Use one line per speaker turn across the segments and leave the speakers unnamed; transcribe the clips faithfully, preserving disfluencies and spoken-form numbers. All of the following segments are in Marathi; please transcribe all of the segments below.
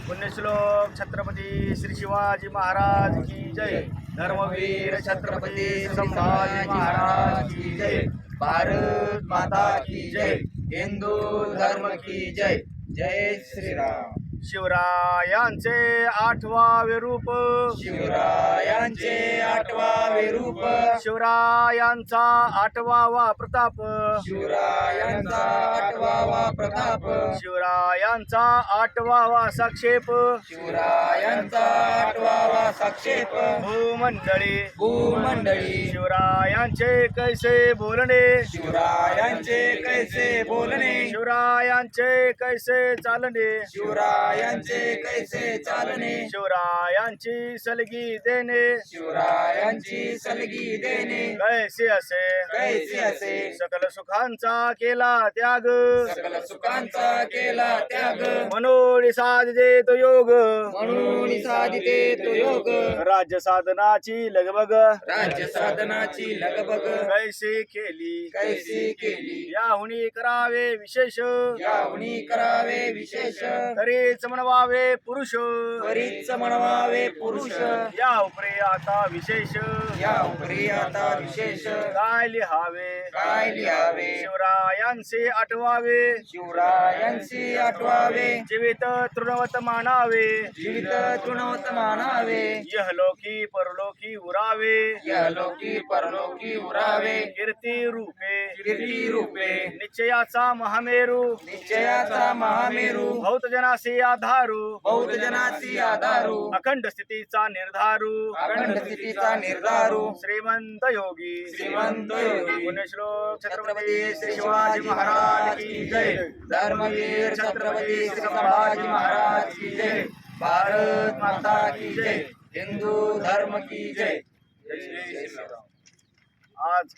पुण्यश्लोक छत्रपती श्री शिवाजी महाराज की जय। धर्मवीर छत्रपती संभाजी महाराज की जय। भारत माता की जय। हिंदू धर्म की जय। जय श्रीराम। शिवरायांचे आठवावे रूप,
शिवरायांचे आठवावे रूप,
शिवरायांचा आठवावा प्रताप,
शिवरायांचा आठवावा प्रताप,
शिवरायांचा आठवावा साक्षेप,
शिवरायांचा आठवावा साक्षेप,
भूमंडळी
भूमंडळी
शिवरायांचे कैसे बोलणे,
शिवरायांचे कैसे बोलणे,
शिवरायांचे कैसे चालणे,
शिवरायांचे कैसे चालणे,
शिवरायांची सलगी देणे,
शिवरायांची सलगी देणे,
कैसे असे
कैसे असे
सकल सुखांचा केला त्याग,
सकल सुखांचा केला त्याग,
मनोळी साधते तो योग,
म्हणून साधिते तो योग,
राज्य साधनाची लगबग
राज्य साधनाची लगबग
कैसे केली,
कैसी केली,
याहुनी करावे विशेष,
यावणी करावे विशेष,
तरीच म्हणवावे पुरुष,
त्वरित म्हणवावे पुरुष,
या उपरे आता विशेष
या उपरी आता विशेष,
काय लिहावे,
काय लिहावे,
शिवरायांचे आठवावे,
शिवरायांची आठवावे,
जीवित तृणवत मानावे,
जीवित तृणवत मानावे,
यहलोकी परलोकी उरावे,
यलोकी परलोकी उरावे,
कीर्ती रूपे
कीर्ती रूपे,
निश्चयाचा महामेरू,
निश्चयाचा महामेरू,
भौत जनासी आधारू,
बौद्ध जनाची आधारू,
अखंड स्थितीचा निर्धारू,
अखंड स्थितीचा निर्धारू,
श्रीमंत योगी
श्रीमंत योगी,
पुण्यश्लोक छत्रपती श्री शिवाजी महाराज की जय।
धर्मवीर छत्रपती श्री संभाजी महाराज की जय। भारत माता की जय। हिंदू धर्म की जय। जय श्रीराम।
आज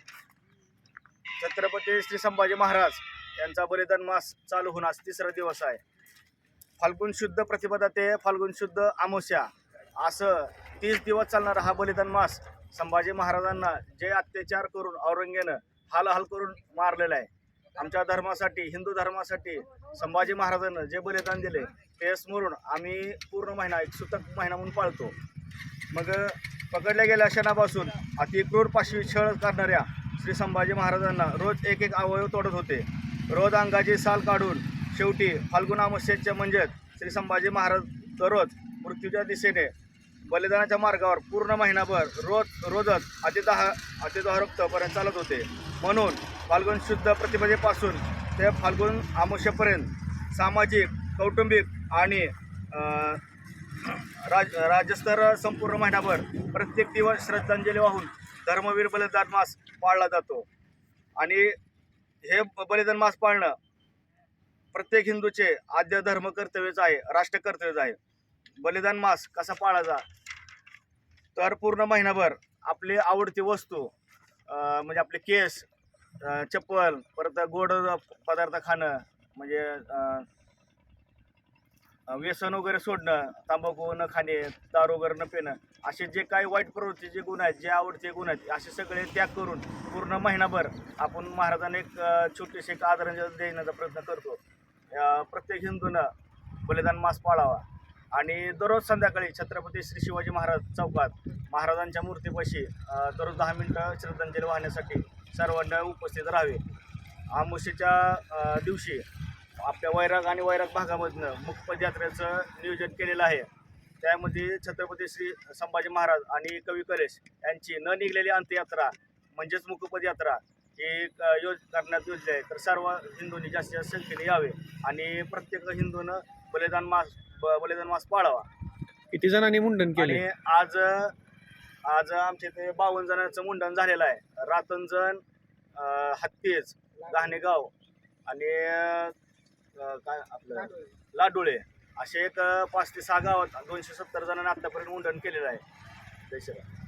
छत्रपती श्री संभाजी महाराज यांचा बलिदान मास चालू होऊन आज तिसरा दिवस आहे। फाल्गुन शुद्ध प्रतिपदा ते फाल्गुन शुद्ध अमावस्या असं तीस दिवस चालणारा हा बलिदान मास संभाजी महाराजांना जे अत्याचार करून औरंगजेबानं हाल हाल करून मारलेला आहे, आमच्या धर्मासाठी हिंदू धर्मासाठी संभाजी महाराजांना जे बलिदान दिले ते स्मरून आम्ही पूर्ण महिना एक सुतक महिना म्हणून पाळतो। मग पकडल्या गेल्या क्षणापासून अतिक्रूर पाशवी छळ करणाऱ्या श्री संभाजी महाराजांना रोज एक एक अवयव तोडत होते, रोज अंगाची साल काढून शेवटी फाल्गुन अमावस्येच्या म्हणजेच श्री संभाजी महाराज दररोज मृत्यूच्या दिशेने बलिदानाच्या मार्गावर पूर्ण महिनाभर रोज रोजच अतिदाह अतिदाह रक्तपर्यंत चालत होते। म्हणून फाल्गुन शुद्ध प्रतिपदेपासून ते फाल्गुन अमावस्येपर्यंत सामाजिक कौटुंबिक आणि राज राज्यस्तर संपूर्ण महिनाभर प्रत्येक दिवस श्रद्धांजली वाहून धर्मवीर बलिदान मास पाळला जातो। आणि हे बलिदान मास पाळणं प्रत्येक हिंदूचे आद्य धर्म कर्तव्यच आहे, राष्ट्र कर्तव्यच आहे। बलिदान मास कसा पाळायचा तर पूर्ण महिनाभर आपली आवडती वस्तू म्हणजे आपले केस, चप्पल, परत गोड पदार्थ खाणं म्हणजे व्यसन वगैरे सोडणं, तंबाखू न खाणे, दारू वगैरे न पिणं, असे जे काही वाईट प्रवृत्तीचे गुण आहेत, जे आवडते गुण आहेत, असे सगळे त्याग करून पूर्ण महिनाभर आपण महाराजांना एक छोटीशी एक आदरांजली देण्याचा प्रयत्न करतो। प्रत्येक हिंदूनं बलिदान मास पाळावा आणि दररोज संध्याकाळी छत्रपती श्री शिवाजी महाराज चौकात महाराजांच्या मूर्तीपाशी दररोज दहा मिनटं श्रद्धांजली वाहण्यासाठी सर्वांना उपस्थित राहावे। अमावस्येच्या दिवशी आपल्या वैराग आणि वैराग भागामधनं मुकपद यात्रेचं नियोजन केलेलं आहे। त्यामध्ये छत्रपती श्री संभाजी महाराज आणि कवी कलेश यांची न निघलेली अंत्ययात्रा म्हणजेच मुकपद यात्रा ही योज करण्यात योजली आहे। तर सर्व हिंदूंनी जास्तीत जास्त संख्येने यावे आणि प्रत्येक हिंदूनं बलिदान मास बलिदान मास पाळावा।
किती जणांनी मुंडन केले?
आणि आज आज आमच्या इथे बावन्न जणांचं मुंडन झालेलं आहे। रातंजण, हत्तीज, घाणेगाव आणि काय आपलं लाडोळे असे एक पाच ते सहा गावात दोनशे सत्तर जणांनी आत्तापर्यंत मुंडन केलेलं आहे। जय श्रीराम।